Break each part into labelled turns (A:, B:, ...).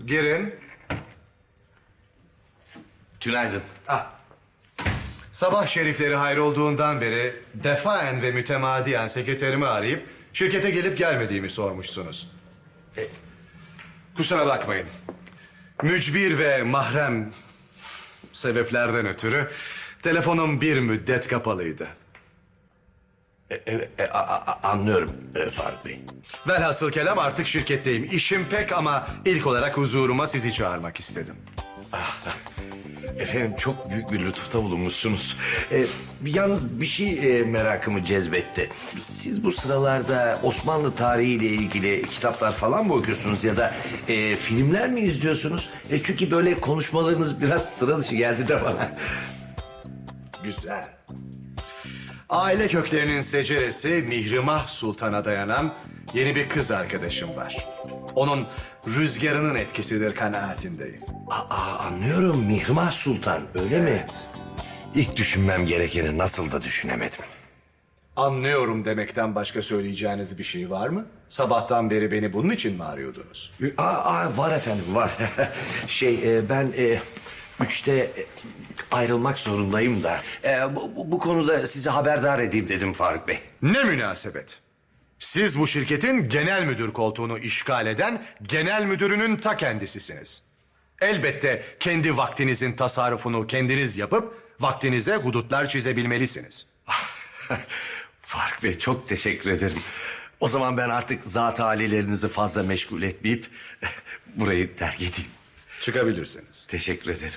A: Girin.
B: Günaydın.
A: Sabah şerifleri hayrolduğundan beri defaen ve mütemadiyen sekreterimi arayıp şirkete gelip gelmediğimi sormuşsunuz. Kusura bakmayın. Mücbir ve mahrem sebeplerden ötürü telefonum bir müddet kapalıydı.
B: Anlıyorum Faruk Bey.
A: Velhasıl kelam artık şirketteyim. İşim pek ama ilk olarak huzuruma sizi çağırmak istedim.
B: Efendim çok büyük bir lütufta bulunmuşsunuz. Yalnız bir şey merakımı cezbetti. Siz bu sıralarda Osmanlı tarihiyle ilgili kitaplar falan mı okuyorsunuz ya da filmler mi izliyorsunuz? Çünkü böyle konuşmalarınız biraz sıra dışı geldi de bana.
A: Güzel. Aile köklerinin seceresi Mihrimah Sultan'a dayanan yeni bir kız arkadaşım var. Onun rüzgarının etkisidir kanaatindeyim.
B: Anlıyorum, Mihrimah Sultan öyle mi? İlk düşünmem gerekeni nasıl da düşünemedim.
A: Anlıyorum demekten başka söyleyeceğiniz bir şey var mı? Sabahtan beri beni bunun için mi arıyordunuz?
B: Var efendim var. Ben 3'te ayrılmak zorundayım da. Bu konuda sizi haberdar edeyim dedim Faruk Bey.
A: Ne münasebet. Siz bu şirketin genel müdür koltuğunu işgal eden genel müdürünün ta kendisisiniz. Elbette kendi vaktinizin tasarrufunu kendiniz yapıp vaktinize hudutlar çizebilmelisiniz.
B: Faruk Bey çok teşekkür ederim. O zaman ben artık zat halilerinizi fazla meşgul etmeyip burayı terk edeyim.
A: Çıkabilirsiniz.
B: Teşekkür ederim.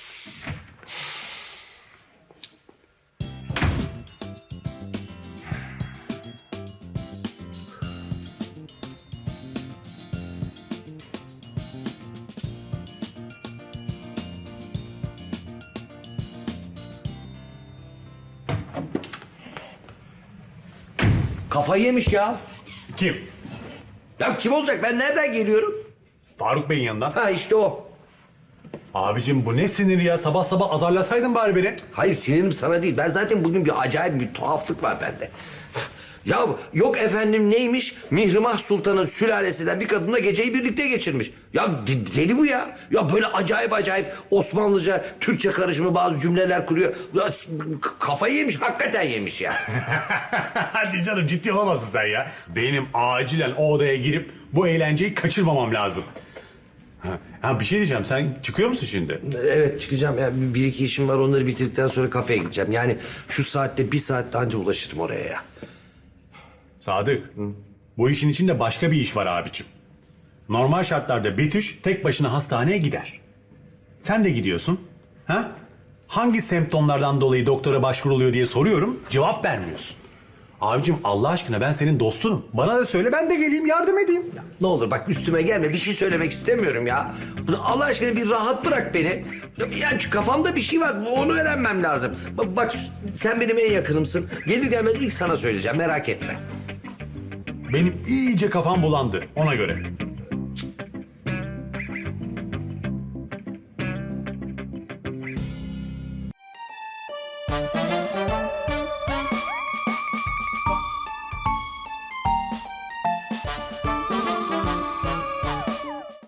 B: Kafayı yemiş ya.
C: Kim?
B: Ya kim olacak? Ben nereden geliyorum?
C: Faruk Bey'in yanından.
B: Ha işte o.
C: Abicim bu ne sinir ya? Sabah sabah azarlasaydın bari beni.
B: Hayır sinirim sana değil. Ben zaten bugün bir acayip bir tuhaflık var bende. Ya yok efendim neymiş? Mihrimah Sultan'ın sülalesinden bir kadınla geceyi birlikte geçirmiş. Ya deli bu ya. Ya böyle acayip acayip Osmanlıca, Türkçe karışımı bazı cümleler kuruyor. Ya, kafayı yemiş, hakikaten yemiş ya.
C: Hadi canım ciddi olamazsın sen ya. Benim acilen o odaya girip bu eğlenceyi kaçırmamam lazım. Ha bir şey diyeceğim, sen çıkıyor musun şimdi?
B: Evet çıkacağım. Yani bir iki işim var, onları bitirdikten sonra kafeye gideceğim. Yani şu saatte bir saatte anca ulaşırım oraya ya.
C: Sadık, bu işin içinde başka bir iş var abicim. Normal şartlarda Betüş tek başına hastaneye gider. Sen de gidiyorsun. Ha? Hangi semptomlardan dolayı doktora başvuruluyor diye soruyorum, cevap vermiyorsun. Abicim Allah aşkına ben senin dostunum. Bana da söyle, ben de geleyim yardım edeyim.
B: Ne olur bak üstüme gelme, bir şey söylemek istemiyorum ya. Allah aşkına bir rahat bırak beni. Yani şu kafamda bir şey var, onu öğrenmem lazım. Bak sen benim en yakınımsın. Gelir gelmez ilk sana söyleyeceğim, merak etme.
C: Benim iyice kafam bulandı ona göre.